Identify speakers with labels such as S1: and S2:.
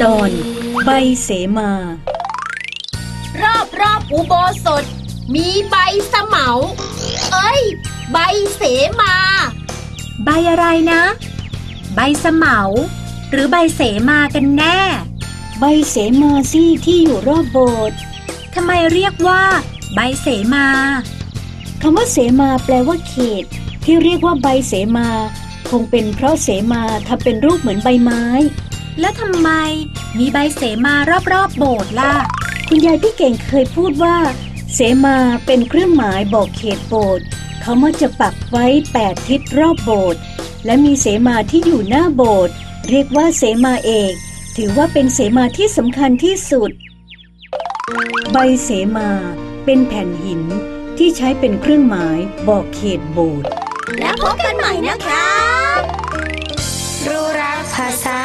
S1: ตอนใบเสมาร
S2: อบอุโบสถมีใบเสมาใบเสมา
S3: ใบอะไรนะใบเสมาหรือใบเสมากันแน่
S1: ใบเสมาสิที่อยู่รอบโบสถ์
S3: ทำไมเรียกว่าใบเสมา
S1: คำว่าเสมาแปลว่าเขตที่เรียกว่าใบเสมาคงเป็นเพราะเสมาทำเป็นรูปเหมือนใบไม้
S3: แล้วทำไมมีใบเสมารอบโบสถ์ล่ะ
S1: คุณยายพี่เก่งเคยพูดว่าเสมาเป็นเครื่องหมายบอกเขตโบสถ์เขามักจะปักไว้8ทิศรอบโบสถ์และมีเสมาที่อยู่หน้าโบสถ์เรียกว่าเสมาเอกถือว่าเป็นเสมาที่สำคัญที่สุดใบเสมาเป็นแผ่นหินที่ใช้เป็นเครื่องหมายบอกเขตโบสถ์
S2: แล้วพบกันใหม่นะคะ
S4: รู้รักภาษา